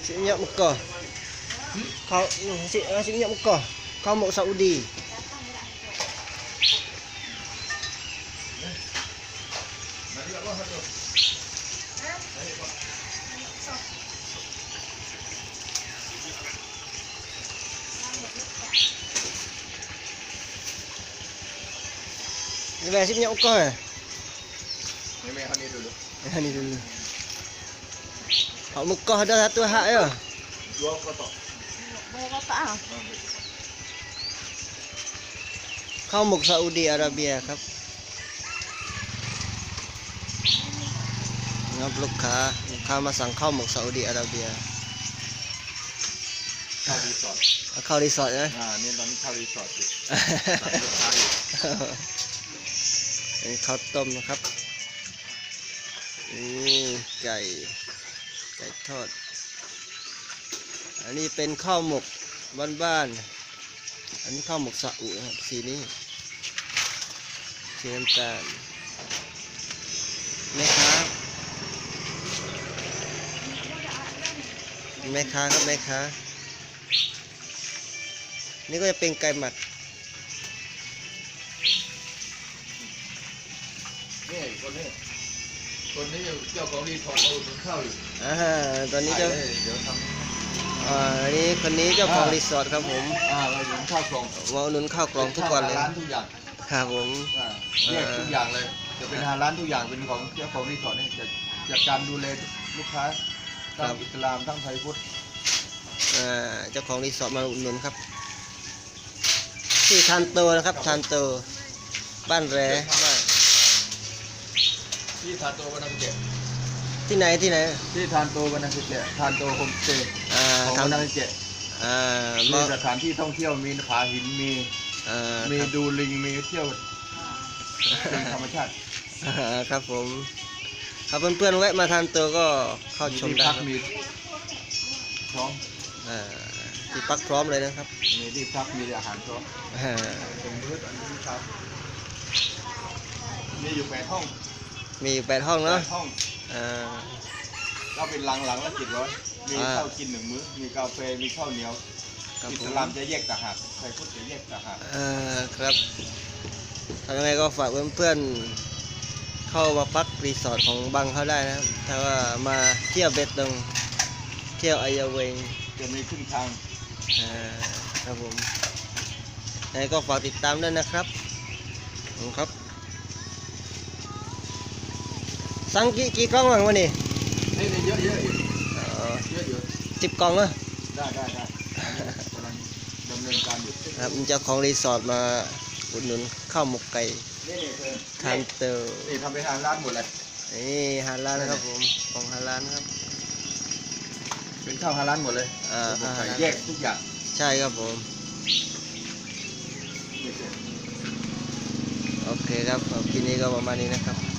Minyak Mekah. Kau nasi minyak Mekah. Kau mau Saudi. Ini nasi minyak Mekah ya? Ini dulu. Ini dulu. Hak Mekah ada satu hak ya? 2 kotak. 2 kotak ah. Kau mau Saudi Arabia ครับ งับลูกค้ามาสั่งข้าวหมกซาอุดีอาระเบียเข้ารีสอร์ทเข้ารีสอร์ทนะนี่ตอนนี้เข้ารีสอร์ทอยู่สั่งลูกค้าอยู่อันนี้ข้าวต้มนะครับไก่ทอดอันนี้เป็นข้าวหมกบ้านๆอันนี้ข้าวหมกซาอุนะครับสีนี้สีน้ำตาลแม่ค้าครับแม่ค้านี่ก็จะเป็นไก่หมักนี่คนนี้เจ้าของรีสอร์ทมาอุดหนุนข้าวอยู่ตอนนี้เจ้าเดี๋ยวทำอันนี้คนนี้เจ้าของรีสอร์ทครับผมเราอุดหนุนข้าวกล่องมาอุดหนุนข้าวกล่องทุกวันเลยร้านทุกอย่างครับผมแยกทุกอย่างเลยจะเป็นร้านทุกอย่างเป็นของเจ้าของรีสอร์ทนี่จะจัดการดูแลลูกค้าทั้งอิสลามทั้งไทยพุทธเจ้าของรีสอร์ทมาอุดหนุนครับที่ทานโตนะครับทานโตบ้านแร่บ้านที่ทานโตวันนักเก็ตที่ไหนที่ทานโตวันนักเก็ตทานโตโฮมสเตย์ของวันนักเก็ตมีสถานที่ท่องเที่ยวมีผาหินมีดูลิงมีเที่ยวเป็นธรรมชาติครับผมครับเพื่อนๆแวะมาทานโตก็เข้าชมได้มีพร้อมที่พักพร้อมเลยนะครับมีที่พักมีอาหารพร้อมเป็นมื้ออันนี้ครับมีอยู่8 ห้องมีอยู่8 ห้องเนาะห้องก็เป็นหลังละ700มีข้าวกิน1 มื้อมีกาแฟมีข้าวเหนียวอิสลามจะแยกต่างหากไทยพุทธจะแยกต่างหากครับทำยังไงก็ฝากเพื่อนๆเข้ามาพักรีสอร์ทของบังเขาได้นะครับถ้าว่ามาเที่ยวเบตงเที่ยวอายาเวงจะมีขึ้นทางครับผมยังไงก็ฝากติดตามด้วยนะครับครับสั่งกี่กล่องบ้างวันนี้นี่เยอะอยู่เยอะอยู่ 10 กล่องเหรอได้กำลังดำเนินการอยู่ครับเจ้าของรีสอร์ทมาอุดหนุนข้าวหมกไก่นี่ทานเตอร์นี่ทำเป็นทางร้านหมดเลยนี่ฮาลาลนะครับผมของฮาลาลครับเป็นข้าวฮาลาลหมดเลยแยกทุกอย่างใช่ครับผมโอเคครับคลิปนี้ก็ประมาณนี้นะครับ